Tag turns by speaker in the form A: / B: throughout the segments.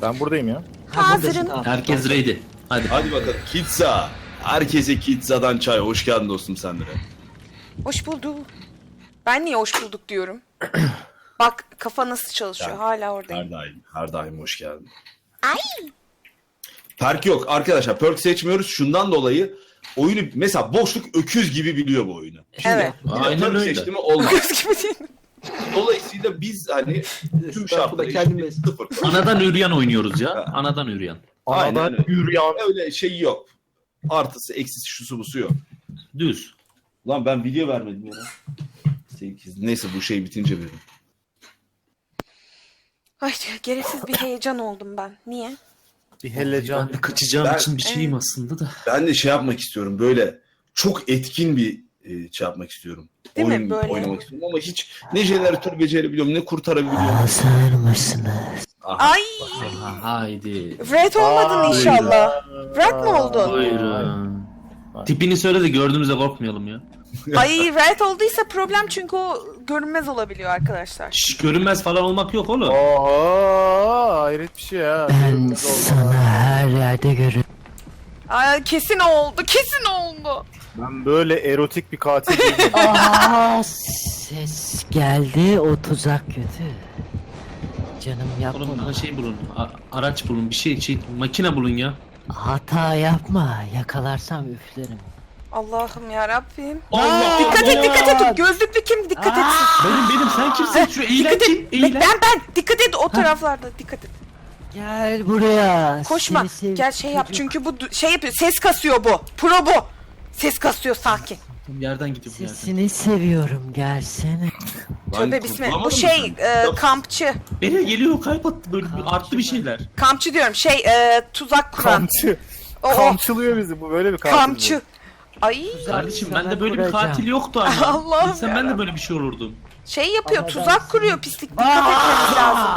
A: Ben buradayım ya.
B: Hazırım.
C: Herkes ready. Hadi.
D: Hadi bakalım. Kitza. Herkese Kitza'dan çay. Hoş geldin dostum sen de.
B: Hoş bulduk. Ben niye hoş bulduk diyorum? Bak kafa nasıl çalışıyor. Hala oradayım.
D: Her daim. Her daim hoş geldin.
B: Ay.
D: Perk yok arkadaşlar. Perk seçmiyoruz. Şundan dolayı oyunu mesela boşluk öküz gibi biliyor bu oyunu.
B: Evet.
C: Aynen
D: Perk
C: öyle.
D: seçti mi olmaz.
B: Göz gibi değil mi?
D: Dolayısıyla biz hani tüm şartları
E: kendimiz.
D: sıfır.
C: Anadan üryan oynuyoruz ya. Anadan üryan.
D: Aynen
A: Anadan
D: öyle.
A: yürüyen.
D: Öyle şey yok. Artısı, eksisi, şusu busu yok.
C: Düz.
D: Lan ben video vermedim ya. 8. Neyse bu şey bitince veririm.
B: Ay gereksiz bir heyecan oldum ben. Niye?
A: Bir helecan.
C: Ben de kaçacağım
D: Ben-
C: için bir şeyim aslında da.
D: Ben de şey yapmak istiyorum. Böyle çok etkin bir şey yapmak istiyorum.
B: Değil mi?
D: Oyun
B: Böyle.
D: oynamak istiyorum ama hiç ne jeneratör becerebiliyorum ne kurtarabiliyorum.
E: Hazır mısınız?
D: Aha.
B: Ay.
C: Haydi.
B: Red olmadın inşallah. Red mi oldun?
C: Buyurun. Tipini söyle de gördüğümüzde korkmayalım ya.
B: Ay red olduysa problem çünkü o görünmez olabiliyor arkadaşlar.
C: Şş, görünmez falan olmak yok oğlum.
A: Oha hayret bir şey ya.
E: Ben sana her yerde görürüm.
B: Ay kesin oldu. Kesin oldu.
A: Ben böyle erotik bir katil değilim.
E: Aa, ses geldi, o tuzak kötü. Canım yapma.
C: Oğlum bana şey bulun. Araç bulun. Bir şey makine bulun ya.
E: Hata yapma, yakalarsam üflerim.
B: Allah'ım ya Rabbim.
C: Allah!
B: Dikkat et dikkat et. Gözlüklü kim dikkat etsin.
C: Benim sen kimsin? Şu eğlen
B: Dikkat
C: kim?
B: et.
C: Eğlen.
B: Ben dikkat et o taraflarda dikkat et.
E: Gel buraya.
B: Koşma.
E: seni sevdim
B: Gel şey yap
E: çocuk.
B: çünkü bu şey yapıyor. Ses kasıyor bu. Pro bu. Ses kasıyor sakin.
C: Yerden gidiyor bu yerden.
E: Sesini seviyorum, gelsene.
B: Tövbe bismillah. Bu
D: kurtulamadım
B: şey
D: mı?
B: kampçı.
C: Nereye geliyor? Kalp attı böyle arttı bir şeyler.
B: Kampçı diyorum. Şey tuzak kuran.
A: Kamçı.
B: O.
A: Kamçılıyor bizi bu böyle bir katil.
B: Kampçı. Ay.
C: Kardeşim
E: Sana
C: bende böyle bir
E: kuracağım.
C: katil yoktu ama.
B: Allah'ım
C: Sen ben de
B: yarabbim.
C: böyle bir şey olurdum.
B: Şey yapıyor.
E: Ama
B: Tuzak
E: ben-
B: kuruyor pislik. Dikkat etmemiz lazım.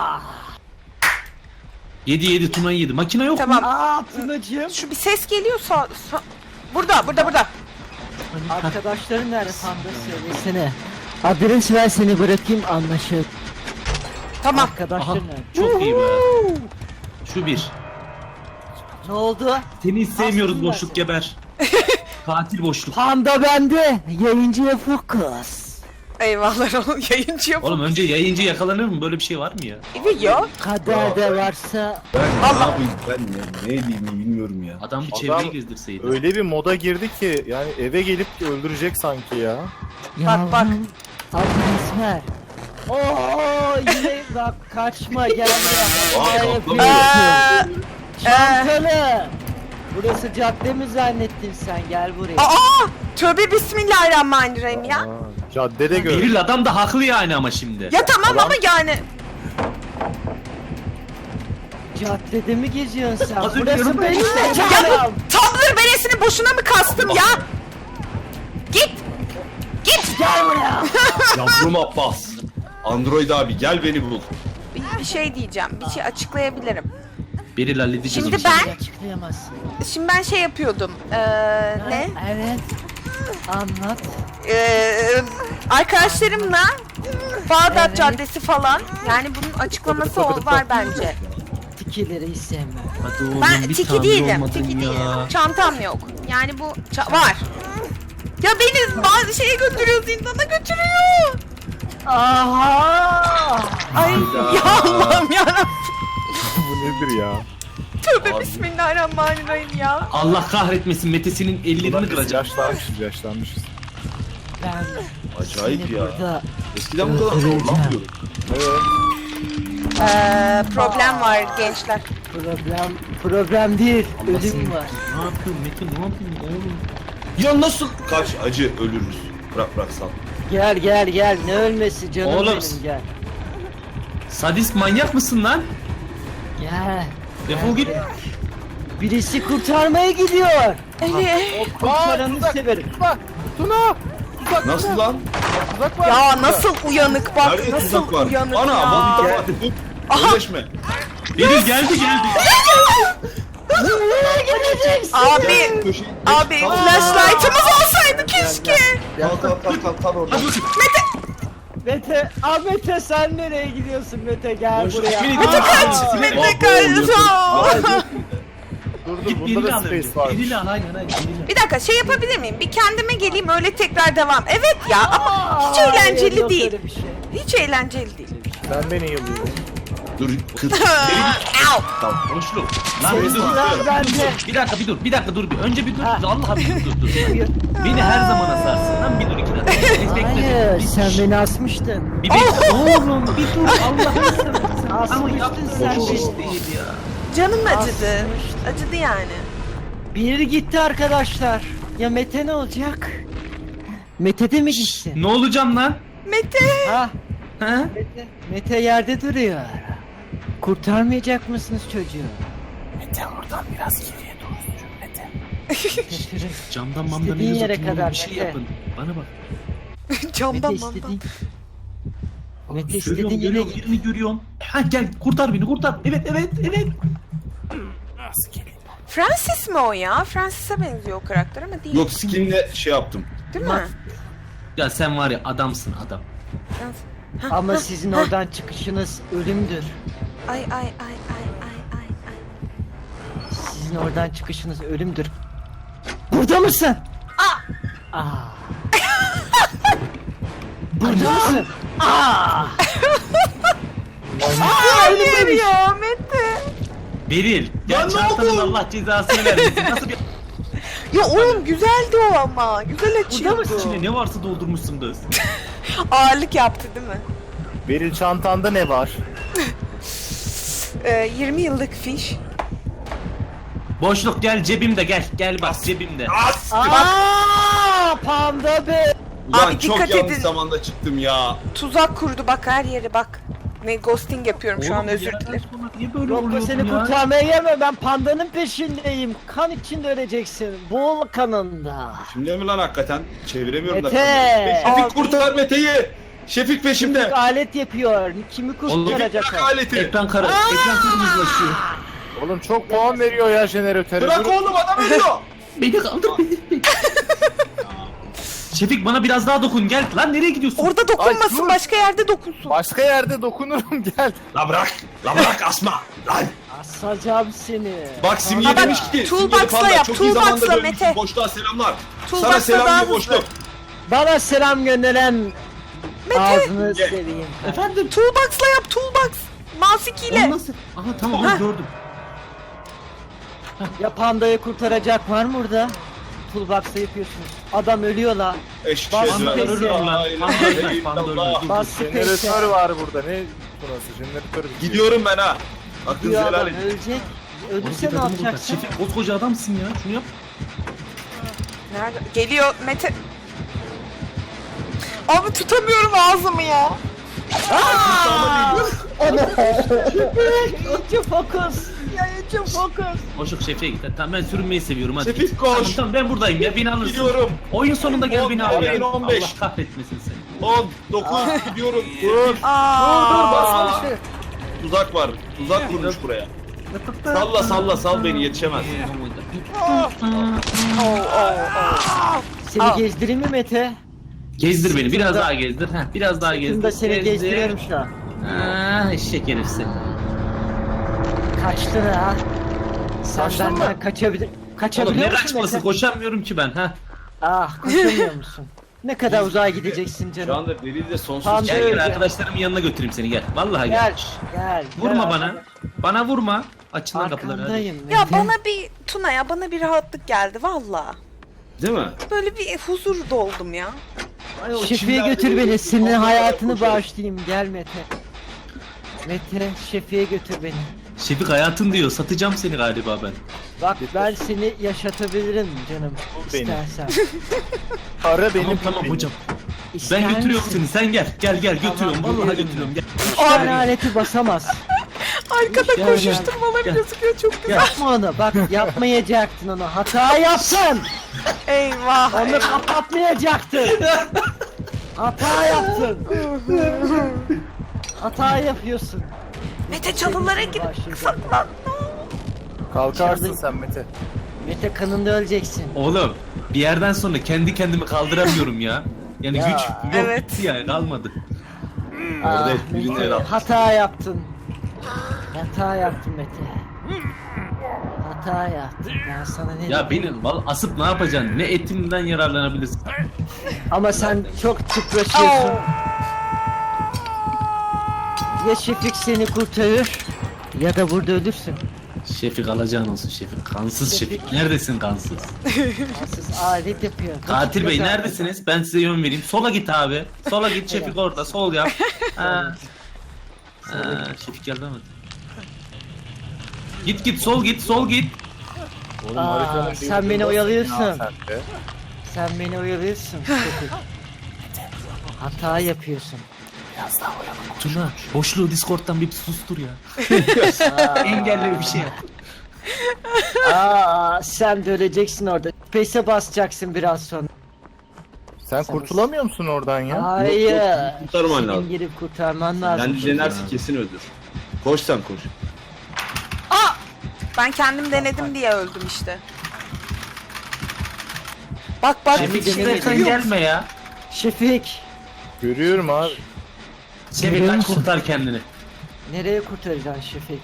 C: Yedi Tuna yedi. Makine yok mu?
B: Tamam.
E: Aa Tunacığım.
B: Şu bir ses geliyor burada.
E: Arkadaşların nerede Panda, söylesene. Adres ver, seni bırakayım, anlaşıldı.
B: Tamam.
C: Aha,
E: Arkadaşların nerede?
C: çok iyi be. Şu bir.
E: Ne oldu?
C: Seni hiç sevmiyoruz
E: Aslında
C: boşluk geber. Katil boşluk.
E: Panda bende. Yayıncıya fokus.
B: Eyvallah oğlum yayıncı yapın.
C: Oğlum önce yayıncı yakalanır mı? Böyle bir şey var mı ya?
B: Evet ya.
E: Kaderde varsa
D: Ben ne yapayım ben ya ne diyeyim bilmiyorum ya.
C: Adam bir
A: Adam
C: çevreyi gezdirseydi.
A: Öyle bir moda girdi ki yani eve gelip öldürecek sanki ya.
B: Bak.
E: yavrum, adres ver. Oo yine bak, kaçma, gel buraya.
D: Aa,
E: Hata
D: kaplamıyor.
E: yapıyorsun. Çantalı. Burası cadde mi zannettin sen, gel buraya.
B: Aa! Tövbe bismillahirrahmanirrahim ya.
A: Aa, caddede gör.
C: Beril adam da haklı yani ama şimdi.
B: Ya tamam ama yani.
E: Caddede mi geziyorsun sen?
C: Az önce
E: Burası
C: yanımda-
E: benim
B: Ya
E: mekanım.
B: bu Tumblr beresini boşuna mı kastım ya? Git.
E: Gel buraya.
D: Yavrum Abbas. Android abi gel beni bul.
B: Bir şey diyeceğim. Bir şey açıklayabilirim.
C: Beril halledeceğiz
B: Şimdi
C: o işi.
B: ben-
E: Açıklayamazsın.
B: Şimdi ben şey yapıyordum. Ne?
E: Evet. Anlat.
B: Arkadaşlarımla Bağdat
E: Evet.
B: Caddesi falan. Yani bunun açıklaması var bence.
E: Tikileri hiç sevmem.
C: Hadi oğlum
B: Ben
C: bir
B: tiki
C: tamir
B: değilim.
C: olmadın
B: Tiki
C: ya.
B: değilim. Çantam yok. Yani bu var. Ya beni bazı şeye götürüyor, zindana götürüyor.
E: Aha!
B: Ay ya Allah'ım yarabbim.
A: Bu nedir ya?
B: Tövbe
D: Abi.
B: bismillahirrahmanirrahim ya.
C: Allah kahretmesin Mete'sinin ellerini kıracak.
A: Yaşlanmışız.
E: Ben
D: Acayip
E: seni
D: ya.
E: burada
D: Eskiden bu kadar
E: öldüreceğim.
D: zorlanmıyordum.
B: Problem var gençler.
E: problem değil,
C: Allah
E: ölüm
C: seni-
E: var.
C: Ne yapıyorsun Mete, ne yapıyorsun oğlum?
D: Ya nasıl? Kaç acı ölürüz. Bırak sal.
E: Gel, ne ölmesi canım
C: Oğlum.
E: benim, gel.
C: Sadist manyak mısın lan?
E: Gel.
C: Defol git.
E: Birisi kurtarmaya gidiyor.
B: Evet.
E: O kurtaranı severim.
A: Bak Tuna!
D: Nasıl lan?
A: Tuzak var.
B: Ya nasıl uyanık bak,
D: Nerede
B: nasıl
D: tuzak var?
B: uyanık
D: Ana
B: ya.
D: vallahi var. Öleşme.
C: Beril geldi.
E: Nereye gideceksin?
B: Abi,
D: Köşeyi-
B: abi
D: Kalk.
B: flashlight'ımız olsaydı keşke.
D: Kalk orada.
E: Mete sen nereye gidiyorsun Mete gel
C: Boş
E: buraya.
C: ver,
B: Mete kaç! Mete kaç!
A: Dur
C: Git
A: bunda
C: birini
A: da
C: al önce.
A: space varmış.
C: Birini al aynen birini al.
B: Bir dakika şey yapabilir miyim? Bir kendime geleyim öyle tekrar devam. Evet ya ama hiç eğlenceli
E: Yok
B: değil.
E: öyle bir şey.
B: Hiç eğlenceli değil.
A: Ben beni yıllıyorum.
D: Dur kız.
B: Au!
D: Tamam.
C: Boşluk. Lan bir dur.
E: Sıra bende.
C: Bir dakika dur bir. Önce bir dur.
E: Ha.
C: Allah bir dur. Beni her zaman asarsın. Lan bir dur 2 dakika.
E: Hayır sen beni asmıştın.
C: Bir bekle. Oğlum bir dur. Allah'ını seversen. Ama
E: Asmıştın
C: yaptın
E: sen
C: sen
E: beni.
C: değil ya.
B: Canım acıdı.
E: Asmıştım.
B: Acıdı yani.
E: Biri gitti arkadaşlar. Ya Mete ne olacak? Mete de mi gitti?
C: Ne olacağım lan?
B: Mete!
E: Ha?
C: Ha?
E: Mete yerde duruyor. Kurtarmayacak mısınız çocuğu?
A: Mete oradan biraz geriye doğru sür Mete.
E: Götürün.
C: Camdan mamdan
E: İstediğin
C: elinizi
E: yere
C: tutun oğlum,
E: kadar
C: bir şey
E: Mete.
C: yapın. Bana bak.
B: Camdan
E: Mete
B: mandan.
E: istediğin... Mete
C: Görüyorum,
E: istediğin yere
C: görüyorum,
E: git.
C: birini görüyorum. Ha gel kurtar beni kurtar. Evet.
A: Nasıl geleyim?
B: Francis mi o ya? Francis'e benziyor o karakter ama değil.
D: Yok skinle şey yaptım.
B: Değil mi?
C: Ya sen var ya adamsın adam.
E: Ama sizin oradan çıkışınız ölümdür.
B: Ay ay ay ay ay ay ay.
E: Sizin oradan çıkışınız ölümdür. Burada mısın? Aa. Burada mısın?
B: Hayır ya Mete.
C: Beril. Gel
D: Lan ne
C: çantanın
D: oldu?
C: Allah cezasını vermesin. Nasıl bir...
B: Ya oğlum güzeldi o ama. Güzel açıyordu.
C: İçine ne varsa doldurmuşsun kız.
B: Ağırlık yaptı değil mi?
A: Beril çantanda ne var?
B: 20 yıllık fiş.
C: Boşluk gel cebimde gel. Gel bak cebimde.
E: Aa, panda be.
D: Ulan
B: Abi
D: çok
B: dikkat
D: yanlış
B: edin.
D: zamanda çıktım ya.
B: Tuzak kurdu bak her yere bak. Ne ghosting yapıyorum şu an
C: Oğlum, bir
B: özür
C: yerden
B: dilerim.
C: sonra Niye böyle
E: Yok
C: oluyorsun
E: seni
C: ya?
E: kurtarmaya gelme ben pandanın peşindeyim. Kan içinde öleceksin. Boğul kanında.
D: Şimdi mi lan hakikaten? Çeviremiyorum
E: Mete!
D: da.
B: Abi.
D: Şefik kurtar Mete'yi. Şefik peşimde.
E: Alet yapıyor. Kimi
C: Oğlum,
E: kurtaracak
D: Bırak
E: o?
D: aleti.
C: Ekran kırmızılaşıyor.
A: Oğlum çok puan veriyor ya jeneratöre.
D: Bırak
A: Dur.
D: oğlum adam ölüyor.
C: Beni kaldır beni. Şefik bana biraz daha dokun gel. Lan nereye gidiyorsun?
B: Orada dokunmasın
A: dur.
B: başka yerde dokunsun.
A: Başka yerde dokunurum gel.
D: La bırak. La bırak asma. Lan.
E: Asacağım seni.
D: Bak Simge
B: Ha, bak,
D: demiş ki.
B: toolbox'la
D: Simge Panda,
B: yap,
D: çok iyi zamanda
B: toolbox'la
D: dönmüşsün.
B: Mete.
D: Boşluğa selamlar.
B: Toolbox'la
D: Sana selam
B: daha
D: diyor
B: hızlı.
D: boşluk.
E: Bana selam gönderen ağzını
D: Gel.
E: seveyim.
C: Efendim?
B: Toolbox'la yap toolbox. Mouse 2 ile.
C: Onu nasıl? Aha tamam
B: Ha.
C: gördüm.
E: Ya pandayı kurtaracak var mı burada? Toolbox'ta yapıyorsunuz. Adam ölüyor la.
D: Eşek
E: Bas
D: sözü.
E: peki.
C: Ölür lan.
D: La ilahe
C: Panda ölmez,
D: illallah.
C: panda ölmez.
E: Bas
A: Jeneratör
E: space'e.
A: var burada. Ne burası? Jeneratör bitiyor.
D: Gidiyorum ben ha. Hakkınızı
E: Diyor
D: helal
E: adam
D: edin.
E: ölecek.
C: Oğlum,
E: Ölürse ne
C: adamı burada.
E: yapacaksın?
C: Şefik koskoca adamsın ya. Şunu yap.
B: Nerede? Geliyor Mete. Abi tutamıyorum ağzımı ya.
E: Ucu fokus. Ya ucu fokus.
C: Boşluk Şefik'e git. Tamam ben sürünmeyi seviyorum hadi.
D: Şefik
C: git.
D: koş.
C: Tamam ben buradayım ya beni alırsın.
D: Gidiyorum.
C: Oyun sonunda gel
D: 10,
C: beni al ya.
D: 15.
C: Allah kahretmesin seni.
D: 10, 9 gidiyorum. Dur.
B: Aa.
D: Tuzak var. Tuzak kurmuş buraya. Salla salla sal beni yetişemez.
E: Seni gezdireyim mi Mete?
C: Gezdir beni biraz
E: Sırtında-
C: daha gezdir. Heh, biraz daha gezdir.
E: Sırtında seni
C: Gezdir.
E: gezdiriyorum şu an.
C: Ah eşek herif seni.
E: Kaçtın ha. Sen
A: Kaçtın
E: benden
A: mı?
E: kaçabilir...
C: Oğlum
E: Kaçabiliyor
C: ne
E: musun
C: kaçması
E: Mete?
C: koşamıyorum ki ben ha.
E: Ah koşamıyor musun? Ne kadar uzağa gideceksin
D: Şu
E: canım.
D: anda Beril de sonsuz
E: Tamam,
C: Gel
E: Öyle.
C: gel arkadaşlarımın yanına götüreyim seni gel. Vallahi gel.
E: Gel.
C: Vurma
E: gel.
C: bana. Bana vurma. Açın lan kapıları hadi.
E: Arkandayım Mete.
B: Ya bana bir Tuna ya bana bir rahatlık geldi valla.
D: Değil mi?
B: Böyle bir huzur doldum ya.
D: Ay, o
E: Şefi'ye
D: çimlerde
E: götür beni.
D: böyle
E: Senin
D: onlara
E: hayatını
D: koşarız.
E: bağışlayayım. Gel Mete. Mete Şefi'ye götür beni.
C: Şefik hayatın diyor. Satacağım seni galiba ben.
E: Bak ben seni yaşatabilirim canım.
A: Bu benim.
E: İstersen.
A: Para benim.
C: Tamam
A: benim.
C: hocam.
E: İster
C: Ben götürüyorum
E: misin?
C: seni. Sen gel. Gel götürüyorum.
E: Tamam,
C: Vallahi
E: geliyorum
C: götürüyorum. Gel.
E: Üç tane aleti basamaz.
B: Arkada
C: Gel,
B: koşuşturmalar
C: gel.
B: gözüküyor çok güzel.
E: Yapma onu. Bak yapmayacaktın onu. Hata yaptın.
B: Eyvah.
E: Onu
B: eyvah.
E: kapatmayacaktın. Hata yaptın. Hata yapıyorsun.
B: Mete çalılara gir. Saklan.
A: Kalkarsın sen Mete.
E: Mete kanında öleceksin.
C: Oğlum bir yerden sonra kendi kendimi kaldıramıyorum ya. Yani
E: Ya,
C: güç yok
B: evet.
C: ya kalmadı.
D: Orada
E: Ah,
D: birini
E: Mete,
D: el at.
E: hata yaptın. Hata yaptın Mete. Hata yaptın. Ben sana ne
C: Ya
E: dedim?
C: beni asıp ne yapacaksın? Ne etimden yararlanabilirsin?
E: Ama sen çok tıpraşıyorsun. Ya Şefik seni kurtarır ya da burada ölürsün.
C: Şefik alacağın olsun Şefik. Kansız Şefik. Neredesin kansız?
E: Siz alet yapıyor.
C: Katil Bey
E: Dakika-
C: neredesiniz? Ben size yön vereyim. Sola git abi. Sola git Şefik orada. Sol yap. Ha. Şefik geldi ama. Git sol git sol git.
A: Oğlum,
E: Aa,
A: haritanın
E: sen
A: bir
E: beni
A: ucundasın
E: oyalıyorsun.
A: ya sen de.
E: Sen beni oyalıyorsun. Şefik. Hata yapıyorsun.
C: Tuna boşluğu Discord'dan bir sustur ya. Engelle bir şey yap.
E: Aa, sen de öleceksin orada. Space'e basacaksın biraz sonra.
A: Sen kurtulamıyor musun oradan ya?
E: Hayır.
D: Kurtarman
E: Senin
D: lazım.
E: gelip kurtarman lazım.
D: Yani denersin kesin öldür. Koş sen koş.
B: Ben kendim denedim diye öldüm işte. Bak
C: Şefik
B: bir şey
C: sen
B: yok.
C: gelme ya.
E: Şefik.
A: Görüyorum abi.
C: Şefik
E: Görüyor
C: kaç
E: musun?
C: kurtar kendini.
E: Nereye kurtaracaksın Şefik?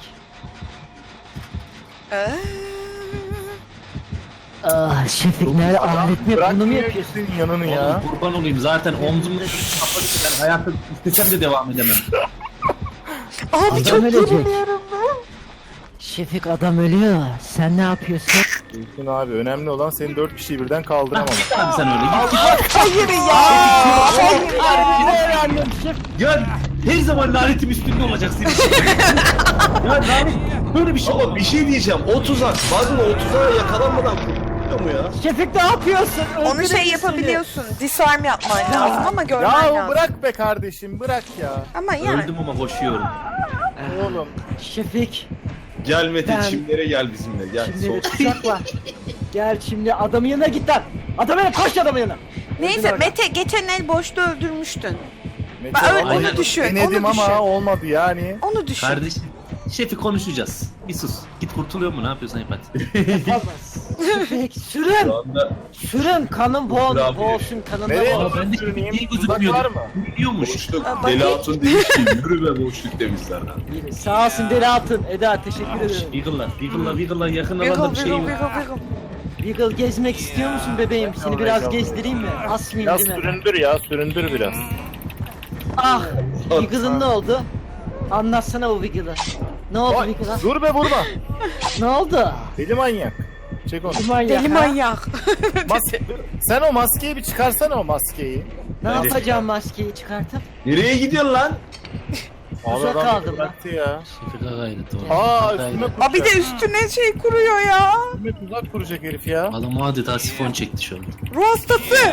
E: Ah Şefik nerede alet mi? Bunu mu
A: Bırakmıyor
E: yapıyorsun?
A: senin yanını ya.
C: Oğlum kurban olayım zaten omzumu kapalı ben hayatı istesem de devam edemem.
B: Abi
E: Adam
B: çok
E: ölecek.
B: yoruluyorum.
E: Şefik adam ölüyor. Sen ne yapıyorsun?
A: Mümkün abi. Önemli olan senin 4 kişiyi birden kaldıramamak.
C: Git abi sen öyle git.
B: Hayır ya. Hayır.
C: Ya her zaman lanetim üstünde olacak senin. Ya lanet böyle bir şey
D: Ama
C: olmaz.
D: bir şey diyeceğim. O tuzak. Bazen o tuzağa yakalanmadan kurtuluyor mu ya?
E: Şefik ne yapıyorsun?
B: Onu
E: Öldürün
B: şey
E: seni.
B: yapabiliyorsun. Disarm yapman lazım ama görmen
A: Ya
B: lazım.
A: bırak be kardeşim, bırak ya.
B: Ama yani.
C: Öldüm ama koşuyorum.
A: Oğlum.
E: Şefik.
D: Gel Mete
E: Ben-
D: çimlere gel bizimle. Gel.
E: Şimdi
D: Sol.
E: bir tuzak var. Gel şimdi adamın yanına git lan. Adamın yanına koş adamın yanına.
B: Neyse Mete geçen el boşta öldürmüştün.
A: Mete,
B: Ben öyle-
A: vallahi
C: onu
B: düşün,
A: Denedim
B: onu düşün.
A: ama olmadı yani.
B: Onu düşün.
C: Kardeşim. Şefi konuşacağız. Bir sus. Git kurtuluyor mu? Ne yapıyorsan yap hadi.
E: Yapamaz. Şefik sürün.
D: Şu anda
E: Sürün kanın
D: Bravo.
E: boğulsun kanında
A: Nereye
E: boğulsun.
C: Aa bende
A: sürüneyim?
C: niye
A: Tuzak
C: gözükmüyor?
A: var mı?
C: Biliyormuş.
D: boşluk.
B: Aa,
D: Deli
B: bakayım.
D: Hatun demiş ki yürü be boşluk demişler lan.
E: Sağ olsun Deli Altın. Eda teşekkür ederim.
C: Wiggle'la yakın
B: Wiggle
C: alanda bir şey
B: wiggle
C: yok.
B: wiggle wiggle.
E: Wiggle gezmek istiyor musun bebeğim? Seni biraz gezdireyim mi? Asmayayım
A: Ya
E: değil mi?
A: süründür ya, süründür biraz.
E: Ah! Wiggle'ın ne oldu? Anlatsana o Wiggle'ı. Ne oldu
A: Vay,
E: Wiggle'a?
A: dur be vurma.
E: Ne oldu?
A: Deli manyak. Çek onu.
E: Manyak,
B: Deli
E: ha?
B: manyak.
A: Sen o maskeyi bir çıkarsana, o maskeyi.
E: Ne yapacağım maskeyi çıkartıp?
D: Nereye gidiyorsun lan?
E: Uzak
A: Adam
E: kaldım lan.
A: bıraktı ya.
C: Şefika gayret o.
A: Aa üstüme kuracak.
B: Aa bir de üstüne şey kuruyor ya.
A: Üstüme tuzak kuracak herif ya.
C: Adam adeta sifon çekti şu an.
B: Ruh hastası.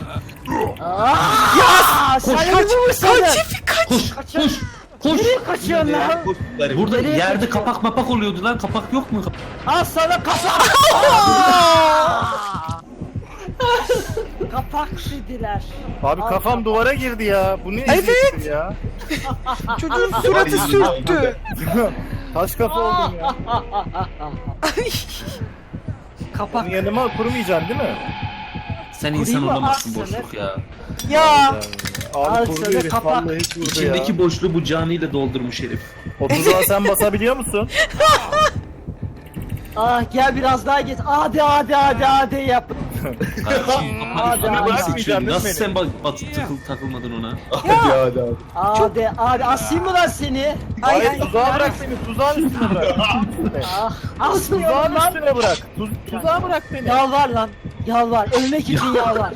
E: Aa! Sen
B: Kaç,
E: mi vursaydın?
B: kaç Şefik kaç.
C: Koş! Koş!
E: Nereye kaçıyorsun lan?
C: Burada
E: Nereye
C: yerde
E: kaçıyor?
C: kapak mapak oluyordu lan. Kapak yok mu?
E: Al sana kapak! Kapak dediler.
A: Abi
E: Al
A: kafam
E: kapak.
A: duvara girdi ya. Bu ne
B: Evet.
A: eziyettir ya.
B: Çocuğun suratı sürttü.
A: Taş kafa oldum ya.
E: Kapak.
A: Onun yanıma kurmayacaksın değil mi?
C: Sen insan
E: Kurayım mı?
C: olamazsın
E: Al
C: boşluk ya.
B: Ya.
A: Abi
E: Al
A: kurdu
E: sana
A: herif.
E: kapak.
A: Vallahi hiç vurdu
C: İçindeki
A: ya.
C: boşluğu bu canıyla doldurmuş herif.
A: O tuzağa sen basabiliyor musun?
E: Ah gel biraz daha geç. Hadi yap.
C: Kardeşim
E: Hadi,
C: kafanı
E: hadi.
C: üstüne seçiyorum. Nasıl
A: Beni.
C: sen takılmadın ona?
D: Hadi.
E: Hadi asayım mı lan seni?
A: Hayır tuzağa bırak beni. Tuzağın üstüne bırak.
E: Ah
A: Tuzağın
E: asmıyorum lan.
A: üstüne bırak. Tuzağa bırak beni.
E: Yalvar lan. Yalvar. Ölmek için yalvar.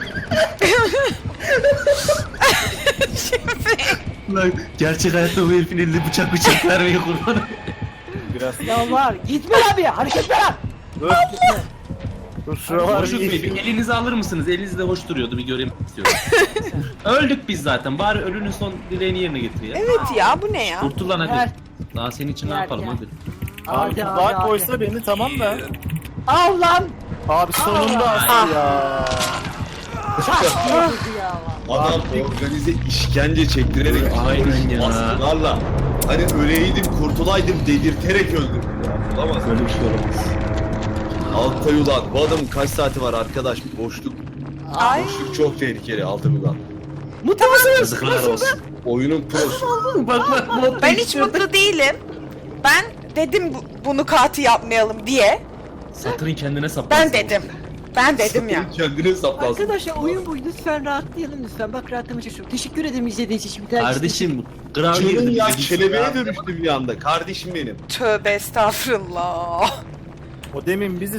C: Lan gerçek hayatta bu herifin elinde bıçak vermeye kurban.
A: Biraz.
E: Yalvar. Gitme lan bir. Hareket ver.
A: Dur. Dur şuralar
C: Boşluk Bey bir elinizi alır mısınız? Eliniz de hoş duruyordu bir göreyim istiyorum. Öldük biz zaten. Bari ölünün son dileğini yerine getir ya.
B: Evet ya bu ne ya?
C: Kurtul lan
E: Gel.
C: hadi. Daha senin için ne
E: Gel,
C: yapalım
E: gel.
C: hadi.
A: Abi tuzağa koysa beni tamam da.
E: Al lan.
A: Abi sonunda astı ya.
D: Adam organize işkence çektirerek
C: Aynen ya.
D: baskılarla hani öleydim kurtulaydım dedirterek öldürdü ya. Olamaz. Böyle bir şey olamaz. Altay ulan bu adamın kaç saati var arkadaş? Boşluk
B: Ay.
D: çok tehlikeli Altay ulan.
E: Mutlu musunuz?
C: Yazıklar olsun.
D: Oyunun prosu.
C: Bak.
B: Ben hiç mutlu değilim. Ben dedim bunu katı yapmayalım diye.
C: Satırın kendine saplansın.
B: Ben dedim ya.
D: Kendine saplansın.
E: Arkadaşlar oyun bu. Lütfen rahatlayalım lütfen. Bak rahatlamak çok. Teşekkür ederim izlediğiniz için. Bir daha
C: Kardeşim kral
D: Canım
C: girdim
D: ya
C: dedik.
D: kelebeğe dönüştü bir anda. Kardeşim benim.
B: Tövbe estağfurullah.
A: O demin bizi